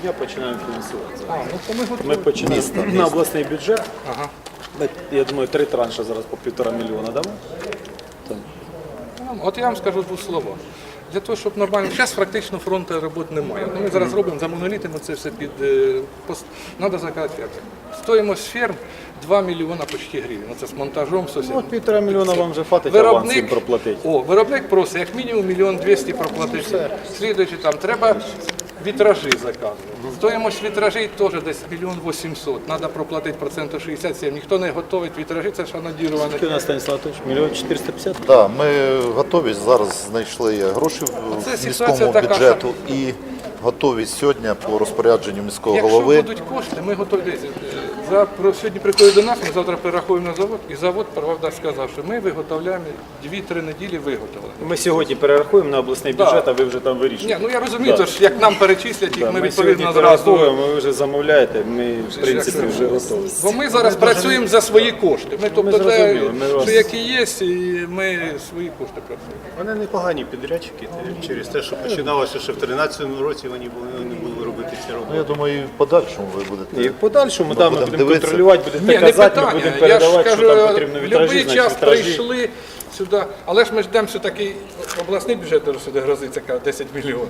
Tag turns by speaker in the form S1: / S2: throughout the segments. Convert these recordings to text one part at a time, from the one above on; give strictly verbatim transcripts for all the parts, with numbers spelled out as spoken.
S1: дня починаємо фінансувати.
S2: А, ну то ми готові.
S1: Ми починаємо на обласний бюджет.
S2: Ага.
S1: Ми, я думаю, три транші зараз по півтора мільйона дамо. Там.
S2: Ну, От я вам скажу двох слова. Для того, щоб нормально, зараз практично фронту роботи немає. Ну, ми зараз робимо за монолітами це все під, треба заказати фермер. Стоїмость ферм два мільйона почти гривень. Оце з монтажом, з усім.
S1: Ну, от півтора мільйона вам вже хватить аванс їм проплатити.
S2: О, виробник просить, як мінімум мільйон двісті проплатити. Слідуючи там, треба вітражі заказувати. Стоїмость вітражей теж десь мільйон вісімсот. Треба проплатити процентів шістдесят сім. Ніхто не готовить вітражі, це ж анодіровані.
S1: Скільки у нас, Станіслав Анатолійович? мільйон чотириста п'ятдесят?
S3: Так, ми готові, зараз знайшли гроші в
S2: Це
S3: міському
S2: ситуація така,
S3: бюджету і готові сьогодні по розпорядженню міського
S2: Якщо
S3: голови.
S2: будуть кошти, ми готові. Дивіться, За, про- сьогодні приходять до нас, ми завтра перерахуємо на завод, і завод, правда, сказав, що ми виготовляємо дві-три неділі виготовлення.
S1: Ми сьогодні перерахуємо на обласний
S2: Да.
S1: бюджет, а ви вже там вирішуєте.
S2: Ні, ну я розумію,
S1: Да.
S2: то ж, як нам перечислять, їх
S1: Да,
S2: ми
S1: ми
S2: відповідно
S1: сьогодні
S2: зразу.
S1: перерахуємо, ви вже замовляєте, ми в принципі
S2: як
S1: вже готові.
S2: Бо ми зараз працюємо за свої кошти. Ми, тобто, те,
S1: зрозуміли, ми вас-
S2: що які є, і ми свої кошти працюємо.
S4: Вони непогані підрядчики через те, що починалося ще в тринадцятому році, вони були, вони були робити ці
S3: Ну,
S4: роботи.
S3: я думаю, і в подальшому ви будете.
S1: І в подальшому да, ми
S3: будемо
S1: будемо
S3: дивитися.
S1: контролювати, будете
S2: Ні, не
S1: казати, ми
S2: питання.
S1: будемо
S2: Я ж
S1: передавати, що
S2: кажу,
S1: там потрібно
S2: в
S1: вітражі,
S2: будь-який
S1: значить
S2: час
S1: вітражі.
S2: прийшли сюди, але ж ми ждемо все-таки обласний бюджет теж сюди грозиться каже, десять мільйонів.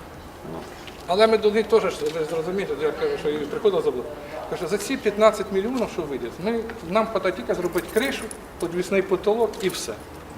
S2: Але ми до них теж, ви зрозумієте, я кажу, що я приходив забув. Кажу, за ці п'ятнадцять мільйонів, що вийде, ми, нам хватає тільки зробити кришу, підвісний потолок і все.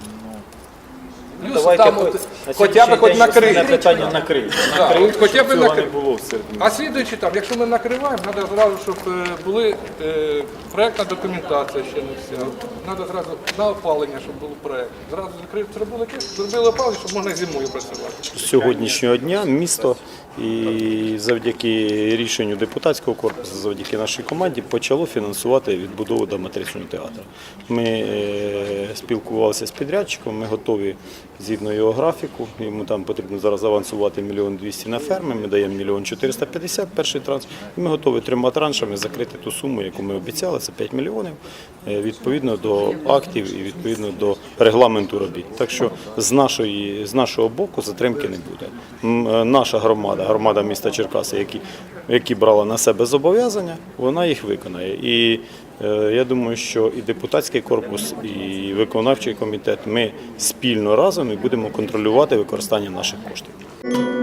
S2: Плюс
S1: Давайте
S2: там
S1: хоч-
S2: от,
S1: на
S2: хоча б хоч
S1: сьогоднішній день основне
S2: накрити.
S1: питання накрити.
S2: Да,
S1: Накрити,
S2: от хоча
S1: щоб
S2: б
S1: цього
S2: накрити.
S1: не було в середині.
S2: А слідуючи там, якщо ми накриваємо, треба зразу, щоб е, були е, проєктна документація ще не вся. Треба зразу на опалення, щоб був проєкт. Зразу закрив, зробили кис, зробили опалення, щоб можна зимою працювати.
S1: З сьогоднішнього дня місто і завдяки рішенню депутатського корпусу, завдяки нашій команді, почало фінансувати відбудову драматичного театру. Ми е, спілкувалися з підрядчиком, ми готові згідно його графіку. Йому там потрібно зараз авансувати мільйон двісті на ферми, ми даємо мільйон чотириста п'ятдесят перший транш. І ми готові трьома траншами закрити ту суму, яку ми обіцяли, це п'ять мільйонів, е, відповідно до актів і відповідно до регламенту робіт. Так що з, нашої, з нашого боку затримки не буде. М, е, Наша громада, громада міста Черкаси, які, які брала на себе зобов'язання, вона їх виконає. І е, я думаю, що і депутатський корпус, і виконавчий комітет, ми спільно разом і будемо контролювати використання наших коштів.